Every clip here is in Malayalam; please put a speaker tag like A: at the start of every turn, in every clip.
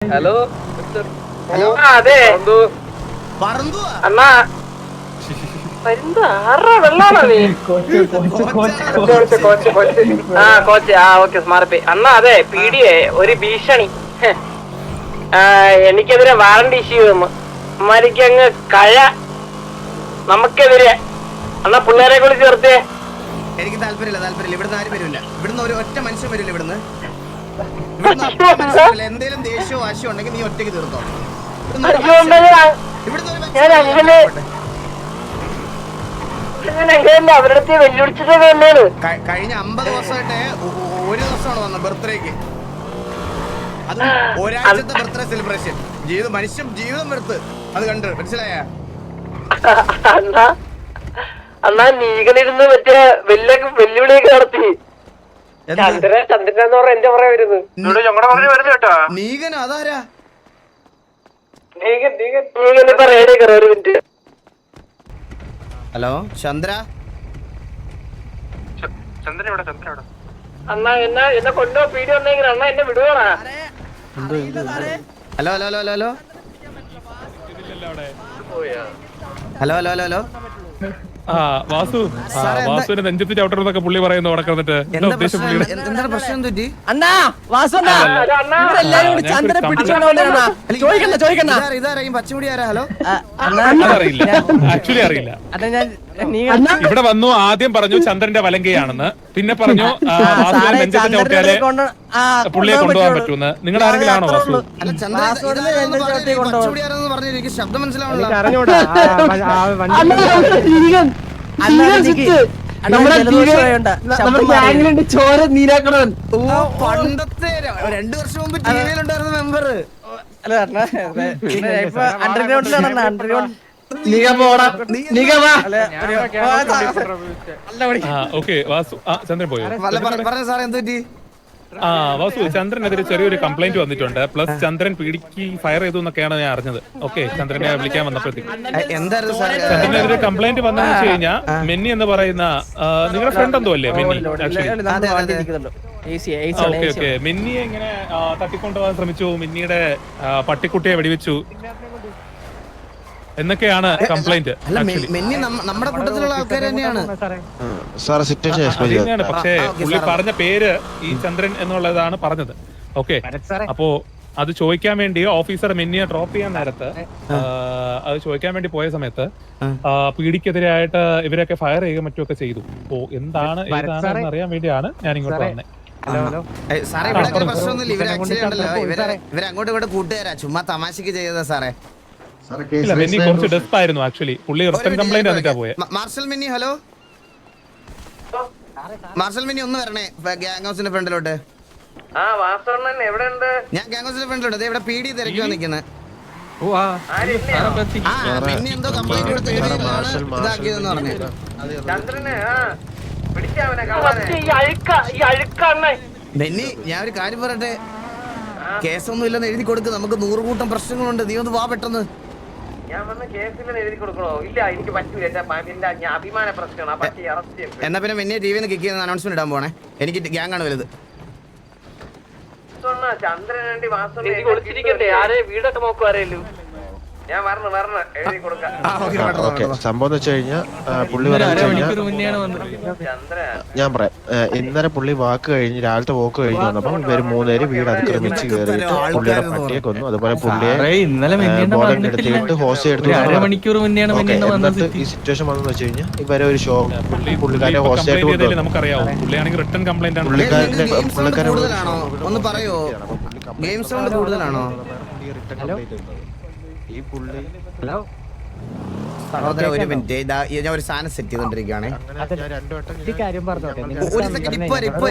A: ഹലോ
B: ഹലോ
A: അതെ അണ്ണാ വെള്ളാണോ നീ കോച്ച് ഓക്കെ സ്മാർട്ട് അണ്ണാ അതെ പീഡിയെ ഒരു ഭീഷണി എനിക്കെതിരെ വാറണ്ടി ഇഷ്യൂ വന്നു അമ്മാരിക്ക് അങ്ങ് കഴ നമുക്കെതിരെ അണ്ണാ പിള്ളേരെ കൂടി ചേർത്തേ.
B: എനിക്ക് താല്പര്യമില്ല ഇവിടുന്ന് ആരും വരില്ല. ഇവിടുന്ന് ഒരു ഒറ്റ മനുഷ്യൻ വരില്ല. ഇവിടുന്ന് എന്തേലും ദേഷ്യമോ വാശിയോ ഉണ്ടെങ്കിൽ നീ ഒറ്റയ്ക്ക് തീർത്തോ.
A: അവരുടെ വെല്ലുവിളിച്ചത് തന്നെയാണ്.
B: കഴിഞ്ഞ 50 ദിവസമായിട്ട് ഒരു ദിവസമാണ് വന്നത് ബർത്ത്ഡേക്ക്. അത് ഒരാഴ്ചത്തെ ബർത്ത്ഡേ സെലിബ്രേഷൻ ചെയ്ത് മനുഷ്യൻ ജീവിതം വെറുത്ത് അത് കണ്ട് മനസ്സിലായ
A: അണ്ണാ നീകനിരുന്ന് മറ്റേ വെല്ലുവിളിയൊക്കെ നടത്തി. ചന്ദ്രനെന്ന് പറഞ്ഞ എന്റെ പറയാ വരുന്നത്
B: നീകനോ അതാരാ?
A: ഒരു മിനിറ്റ്.
B: ഹലോ ചന്ദ്ര
A: അണ്ണാ എന്നെ കൊണ്ടോ പീടി വന്നെങ്കിൽ അണ്ണാ എന്നെ വിടുവാണാ.
B: Hello hello hello hello hello hello hello hello
C: വാസുവിന്റെ നെഞ്ചത്ത് ചവിട്ടണമെന്നൊക്കെ പുള്ളി പറയുന്നു. നടക്കുന്നിട്ട്
B: എന്താണ് പ്രശ്നം? തെറ്റി ഇതാരെയും പച്ചമുടി ആരാ? ഹലോ
C: അറിയില്ല, ആക്ച്വലി അറിയില്ല. ഇവിടെ വന്നു ആദ്യം പറഞ്ഞു ചന്ദ്രന്റെ വലങ്കയാണെന്ന്, പിന്നെ പറഞ്ഞു വാസുവിന്റെ നെഞ്ചത്ത് ചവിട്ടിയാലേ പുള്ളിയെ കൊണ്ടുപോകാൻ പറ്റൂന്ന്. നിങ്ങളുടെ ആരെങ്കിലും ആണോ വാസു?
B: ശബ്ദം മനസ്സിലാവണല്ലോ.
A: ചോര നീരാക്കണവൻ
B: പണ്ടത്തെ 2 വർഷം മുമ്പ് ടിവിയിലുണ്ടായിരുന്ന മെമ്പർ.
C: ഓക്കെ വാസു ചന്ദ്രൻ പോയോ?
B: പറഞ്ഞു സാറേ എന്ത് പറ്റി?
C: വാസു ചന്ദ്രനെതിരെ ചെറിയൊരു കംപ്ലൈന്റ് വന്നിട്ടുണ്ട്. പ്ലസ് ചന്ദ്രൻ പീഡിക്ക് ഫയർ ചെയ്തു എന്നൊക്കെയാണ് ഞാൻ അറിഞ്ഞത്. ഓക്കെ, ചന്ദ്രനെ വിളിക്കാൻ വന്നപ്പോഴത്തേക്ക് ചന്ദ്രനെതിരെ കംപ്ലൈന്റ് വന്നതെന്ന് വെച്ച് കഴിഞ്ഞാൽ മെന്നി എന്ന് പറയുന്ന നിങ്ങളുടെ ഫ്രണ്ട് എന്തോ അല്ലേ മെന്നി? ഓക്കെ ഓക്കെ, മെന്നിയെ ഇങ്ങനെ തട്ടിക്കൊണ്ടുപോകാൻ ശ്രമിച്ചു, മെന്നിയുടെ പട്ടിക്കുട്ടിയെ വെടിവെച്ചു എന്നൊക്കെയാണ് കംപ്ലൈന്റ്.
B: നമ്മുടെ കൂട്ടത്തിലുള്ള ആൾക്കാർ തന്നെയാണ്.
C: പക്ഷേ പുള്ളി പറഞ്ഞ പേര് ഈ ചന്ദ്രൻ എന്നുള്ളതാണ് പറഞ്ഞത്. ഓക്കെ, അപ്പോ അത് ചോദിക്കാൻ വേണ്ടി ഓഫീസർ മെന്നിയെ ഡ്രോപ്പ് ചെയ്യാൻ നേരത്ത് അത് ചോദിക്കാൻ വേണ്ടി പോയ സമയത്ത് പീഡിക്കെതിരായിട്ട് ഇവരൊക്കെ ഫയർ ചെയ്യുകയും മറ്റുമൊക്കെ ചെയ്തു. അപ്പോ എന്താണ് ഏതാണെന്ന് അറിയാൻ വേണ്ടിയാണ് ഞാൻ ഇങ്ങോട്ട് വന്നത്.
B: സാറേ ഇവിടെ പ്രശ്നമൊന്നുമില്ല. ഇവര് ആക്ച്വലി ഉണ്ടല്ലോ, ഇവരങ്ങോട്ട് ഇവിടെ കൂട്ടുകാരാ, ചുമ്മാ തമാശക്ക് ചെയ്തതാ സാറേ.
C: മെന്നി കുറച്ച് ഡെസ്പ് ആയിരുന്നു ആക്ച്വലി. പുള്ളി റിട്ടേൺ കംപ്ലൈന്റ് വന്നിട്ടാ പോയെ.
B: മാർഷൽ മിന്നി, ഹലോ മാർഷൽ മിന്നി ഒന്ന് വരണേ ഗ്യാങ് ഹൗസിന്റെ ഫ്രണ്ടിലോട്ട്. ഞാൻ ഗ്യാങ് ഹൗസിന്റെ ഫ്രണ്ടിലോട്ട് ഇവിടെ പീഡി തിരക്കി നിൽക്കുന്നത്. മിന്നി എന്തോ കംപ്ലൈന്റ് കൊടുത്ത് ഇതാക്കിയതെന്ന് പറഞ്ഞു. ബെന്നി ഞാൻ ഒരു കാര്യം പറയട്ടെ, കേസൊന്നും ഇല്ലെന്ന് എഴുതി കൊടുക്ക്. നമുക്ക് 100 കൂട്ടം പ്രശ്നങ്ങളുണ്ട്. നീ ഒന്ന് വാ പെട്ടെന്ന്. എന്നാ പിന്നെ മെന്നെ ടിവിന്ന് കിക്ക് ചെയ്യുന്ന അനൗൺസ്മെന്റ് ഇടാൻ പോണേ. എനിക്ക് ഗ്യാങ് ആണ് വലുത്.
A: വീടൊക്കെ നോക്കുവാരല്ലോ.
D: സംഭവം എന്ന് വെച്ച് കഴിഞ്ഞാൽ പുള്ളി ഞാൻ പറയാം. ഇന്നലെ പുള്ളി വാക്ക് കഴിഞ്ഞ് രാവിലത്തെ വോക്ക് കഴിഞ്ഞ് വന്നപ്പോൾ ഇവര് 3 പേര് വീട് അതിക്രമിച്ച് കയറിയിട്ട് പുള്ളിയുടെ പട്ടിയെ കൊന്നു. അതുപോലെ പുള്ളിയെ ബോധം എടുത്തിട്ട് ഹോസ്റ്റൽ എടുത്തു. എന്നിട്ട് ഈ സിറ്റുവേഷൻ വന്നെന്ന് വെച്ച് കഴിഞ്ഞാൽ ഇവരെ ഒരു ഷോ പുള്ളിക്കാരെ ഹോസ്റ്റലായിട്ട്
B: ഒന്ന് പറയോ? ഗെയിം സൗണ്ട് കൂടുതലാണോ?
D: ഈ പുള്ളി
B: ഒരു മിനിറ്റ്, ഞാൻ ഒരു സാധനം സെറ്റ് ചെയ്തോണ്ടിരിക്കുകയാണ്. ഒരു സെക്കൻഡ്, ഇപ്പൊ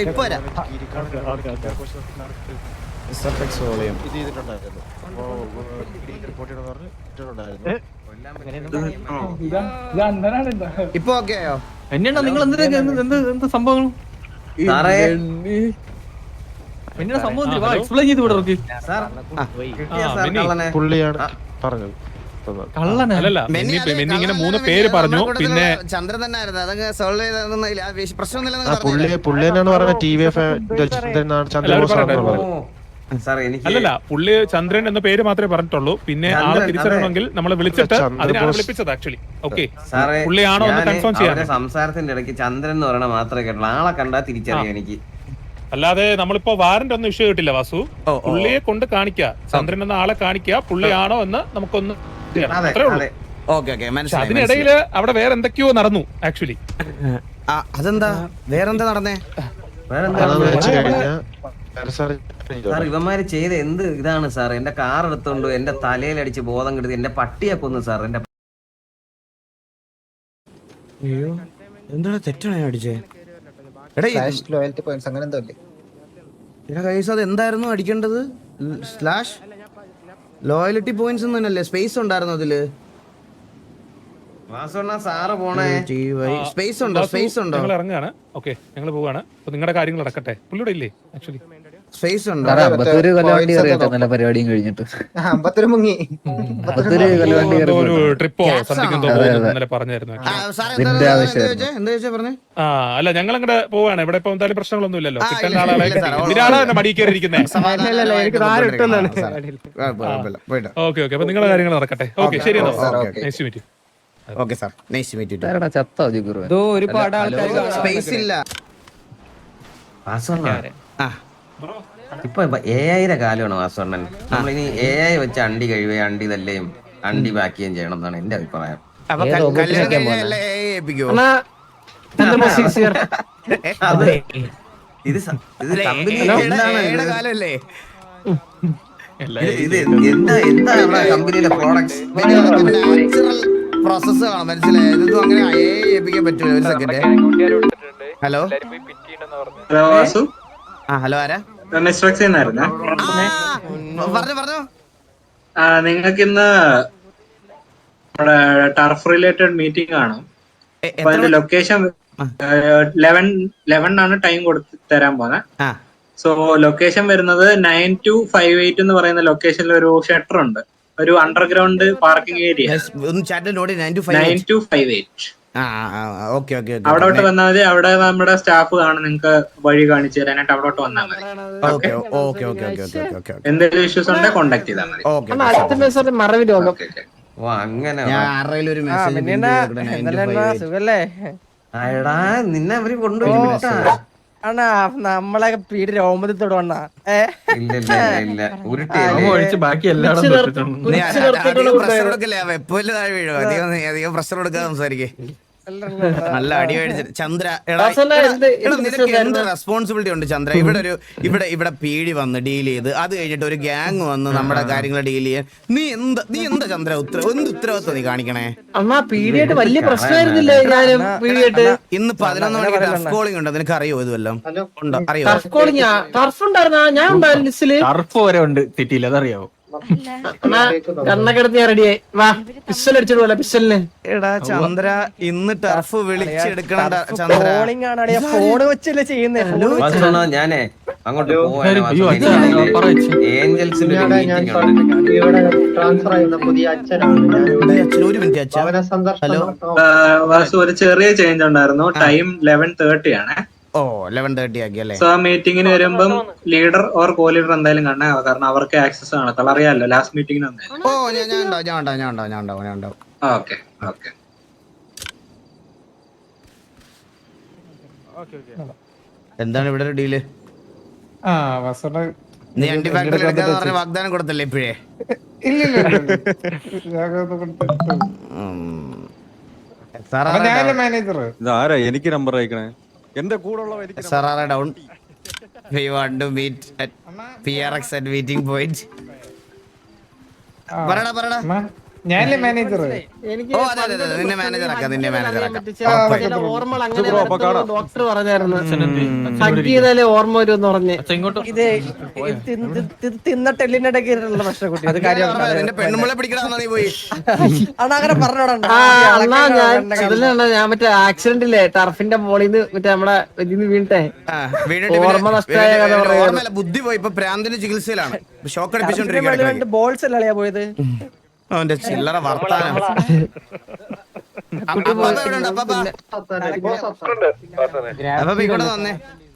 B: ഇപ്പൊ ഓക്കെ ആയോ?
E: എന്നെയാണോ നിങ്ങൾ എന്ത് സംഭവങ്ങൾ എക്സ്പ്ലെയിൻ ചെയ്ത് വിടർക്ക്?
D: പുള്ളിയാണ് പറഞ്ഞത്.
C: ഇങ്ങനെ 3 പേര് പറഞ്ഞു. പിന്നെ
B: ചന്ദ്രൻ തന്നെ ആയിരുന്നു അതങ്ങ് സോൾവ് ചെയ്ത പ്രശ്നമൊന്നുമില്ല.
D: പുള്ളി തന്നെയാണ് പറഞ്ഞത്. T V F Chandran
F: sir എനിക്ക്
C: അല്ലല്ല പുള്ളി ചന്ദ്രൻ എന്ന പേര് മാത്രമേ പറഞ്ഞിട്ടുള്ളൂ. പിന്നെ ആളെ തിരിച്ചറിയണമെങ്കിൽ നമ്മൾ വിളിച്ചിട്ട് അതിനാണ് വിളിപ്പിച്ചത് ആക്ച്വലി. ഓക്കെ,
F: സാറേ
C: പുള്ളിയാണോ എന്ന് കൺഫേം ചെയ്യാൻ.
F: സംസാരത്തിന്റെ ഇടയ്ക്ക് ചന്ദ്രൻ എന്ന് പറയണ മാത്രമേ കേട്ടുള്ളൂ. ആളെ കണ്ടാ തിരിച്ചറിയാം എനിക്ക്.
C: അല്ലാതെ നമ്മളിപ്പോ വാറന്റ് ഒന്നും ഇഷ്യൂ കിട്ടില്ല വാസു. പുള്ളിയെ കൊണ്ട് കാണിക്കുക, ചന്ദ്രൻ എന്ന ആളെ കാണിക്കുക, പുള്ളിയാണോ എന്ന് നമുക്കൊന്ന് ചെയ്യണം. അത്രേ ഉള്ളൂ. അതിനിടയില് അവിടെ വേറെ എന്തൊക്കെയോ നടന്നു ആക്ച്വലി.
B: അതെന്താ വേറെന്താ നടന്നേ?
F: സാർ ഇവന്മാര് ചെയ്ത എന്ത് ഇതാണ് സാർ? എന്റെ കാർ എടുത്തോണ്ട് എന്റെ തലയിലടിച്ച് ബോധം കെടുത്തി എന്റെ പട്ടിയെ കൊന്നു സാർ. എന്റെ
B: അയ്യോ എന്താണ് തെറ്റാണ് അടിച്ചേ?
G: ലോയൽറ്റി പോയിന്റ്സ് അങ്ങനെ എന്തോ അല്ലേ?
B: എടാ കൈസ് അത് എന്തായിരുന്നു അടിക്കേണ്ടത്? സ്ലാഷ് ലോയലിറ്റി പോയിന്റ്സ് തന്നെയല്ലേ? സ്പേസ് ഉണ്ടായിരുന്നു അതില്.
F: സാറ് പോണേ
B: സ്പേസ് ഉണ്ടോ? സ്പേസ് ഉണ്ടോ?
C: ഞങ്ങൾ ഇറങ്ങുകയാണ്. ഓക്കെ, ഞങ്ങൾ പോവാണ്. അപ്പൊ നിങ്ങളുടെ കാര്യങ്ങൾ നടക്കട്ടെ. പുള്ളിയുടെ ഇല്ലേ ആക്ച്വലി?
B: സ്പേസ് ഉണ്ടോ?
E: നല്ല പരിപാടിയും കഴിഞ്ഞിട്ട്
G: മുങ്ങി
C: ഒരു ട്രിപ്പോ സംതിങ് എന്തോ ഇന്നലെ പറഞ്ഞായിരുന്നു. അല്ല ഞങ്ങൾ അങ്ങോട്ട് പോവാണ്. ഇവിടെ ഇപ്പൊ എന്തായാലും പ്രശ്നങ്ങളൊന്നും ഇല്ലല്ലോ. കിട്ടേണ്ട ആളെ ഇതിനാളെ മടി കയറിയിരിക്കുന്നത്. ഓക്കെ ഓക്കെ, അപ്പൊ നിങ്ങളുടെ കാര്യങ്ങൾ നടക്കട്ടെ. ഓക്കെ, ശരി. Nice meet.
B: Okay sir, nice to meet you.
E: ഒരുപാട് ആൾക്കാർ
B: സ്പേസ് ഇല്ല.
F: ഇപ്പൊ AI കാലമാണ് വാസവണ്ണൻ. നമ്മളിനി AI വെച്ച് അണ്ടി കഴിയുകയും അണ്ടി തല്ലേയും അണ്ടി ബാക്കിയും ചെയ്യണം എന്നാണ് എന്റെ അഭിപ്രായം. ഇത്
B: കാലല്ലേ?
F: ഇത് എന്താ കമ്പനിയുടെ പ്രോഡക്ട്സ്
B: പ്രോസസ് ആണ്, മനസ്സിലായത്. ഇതൊന്നും അങ്ങനെ ഏൽപ്പിക്കാൻ പറ്റൂല. ഒരു സെക്കൻഡ്. ഹലോ ഹലോ, ആരാ? പറഞ്ഞോ.
H: നിങ്ങൾക്ക് ഇന്ന് ടർഫ് റിലേറ്റഡ് മീറ്റിംഗ് ആണ്. ലൊക്കേഷൻ 11 ആണ് ടൈം കൊടുത്ത് തരാൻ പോകുന്നത്. സോ ലൊക്കേഷൻ വരുന്നത് 9258 എന്ന് പറയുന്ന ലൊക്കേഷനിൽ ഒരു ഷട്ടർ ഉണ്ട്, ഒരു അണ്ടർഗ്രൗണ്ട് പാർക്കിംഗ് ഏരിയ. 9258 അവിടെ വന്നാൽ മതി. അവിടെ നമ്മുടെ സ്റ്റാഫ് കാണും, നിങ്ങൾക്ക് വഴി കാണിച്ചു തരാനായിട്ട് അവിടോട്ട് വന്നാൽ മതി. എന്തെങ്കിലും ഇഷ്യൂസ് ഉണ്ടെങ്കിൽ കോണ്ടാക്ട് ചെയ്താൽ മതി.
F: നിന്നെ അവര് കൊണ്ടുപോയി
A: അണ്ണാ നമ്മളെ പീടി രോമത്തോട് വണ്ണ
E: ബാക്കി എല്ലാം
B: അധികം പ്രഷർ കൊടുക്കാതെ സംസാരിക്കേ. നല്ല അടി മേടിച്ചു ചന്ദ്ര. എന്ത് റെസ്പോൺസിബിലിറ്റി ഉണ്ട് ചന്ദ്ര? ഇവിടെ പീടി വന്ന് ഡീൽ ചെയ്ത് അത് കഴിഞ്ഞിട്ട് ഒരു ഗ്യാങ് വന്ന് നമ്മുടെ കാര്യങ്ങൾ ഡീൽ ചെയ്യാൻ നീ എന്താ ചന്ദ്ര എന്ത് ഉത്തരവാദിത്വം നീ കാണിക്കണേ?
A: അമ്മ പീഡിയായിട്ട് വലിയ പ്രശ്നമായിരുന്നില്ലേ?
B: ഇന്ന് 11 മണിക്ക് ടർഫ് കോളിംഗ് ഉണ്ട്, നിനക്ക് അറിയോ? ഇതുവല്ലോ ഉണ്ടോ? അറിയോ?
A: ടർഫ് ഉണ്ടായിരുന്ന ഞാൻ ഉണ്ടായിരുന്നു ലിസ്റ്റില്.
E: ടർഫ് വരെ ഉണ്ട് സിറ്റിയിൽ, അതറിയാവോ?
A: കണ്ണക്കെടുത്ത് ഞാൻ റെഡിയായി. വാ പിസ്റ്റൽ അടിച്ചിട്ട് പോലെ പിസ്റ്റലിന്.
B: എടാ ചന്ദ്ര ഇന്ന് ടർഫ് വിളിച്ചെടുക്കണം ചന്ദ്ര.
A: ഫോണ് വെച്ചല്ലേ ചെയ്യുന്നേ?
F: ഞാനേ അങ്ങോട്ട് ഏഞ്ചൽസിന്റെ
H: ഒരു ചെറിയ ചേഞ്ച് ഉണ്ടായിരുന്നു. ടൈം 11:30 ആണ്.
B: 11:30 ആക്കി അല്ലേ?
H: സോ ആ മീറ്റിംഗിന് വരുമ്പം ലീഡർ ഓർ കോ ലീഡർ എന്തായാലും കാണാം, കാരണം അവർക്ക് ആക്സസ് കാണത്തുള്ളൂ. അറിയാലോ ലാസ്റ്റ് മീറ്റിംഗിന്
B: ഓ ഞാൻ ഉണ്ടാവും.
H: Okay okay.
B: എന്താണ് ഇവിടെ ഒരു ഡീല്? നീ അണ്ടി ഫാക്ടറി എടുക്കാന്ന് പറഞ്ഞ വാഗ്ദാനം കൊടുത്തല്ലേ ഇപ്പോഴേ?
I: എനിക്ക് നമ്പർ അയക്കണേ. എന്റെ കൂടെ
B: സാറാ ഡൗൺ. We want to meet at PRX at meeting point. പറടാ.
A: ഞാനല്ലേ മാനേജർ.
B: ഓ അതെ നിന്നെ മാനേജർ ആക്കാം.
A: ഡോക്ടർ പറഞ്ഞായിരുന്നു ചെയ്താലേ ഓർമ്മ വരുമെന്ന് പറഞ്ഞ്. ഇത് തിന്നിട്ട് എല്ലിനിടയ്ക്കുള്ള പ്രശ്നം കുട്ടി. അത് കാര്യം
B: പെണ്ണുമ്പളെ പിടിക്കണമെന്നാ നീ പോയി
A: അങ്ങനെ പറഞ്ഞോടാ. ഞാൻ മറ്റേ ആക്സിഡന്റില്ലേ ടർഫിന്റെ മോളിന്ന് മറ്റേ നമ്മളെ ഇതിന്ന് വീണിട്ടേ ഓർമ്മ നഷ്ടമായ കഥ.
B: ബുദ്ധി പോയി. ഇപ്പൊ പ്രാന്തിന്റെ ചികിത്സയിലാണ്. ഷോക്ക് അടിപ്പിച്ചോണ്ടിരിക്കുകയാണ്.
A: ബോൾസ് അല്ലേ പോയത്?
B: അവന്റെ ചില്ലറ വർത്താനം. അപ്പൊ ഇവിടെ വന്നേ.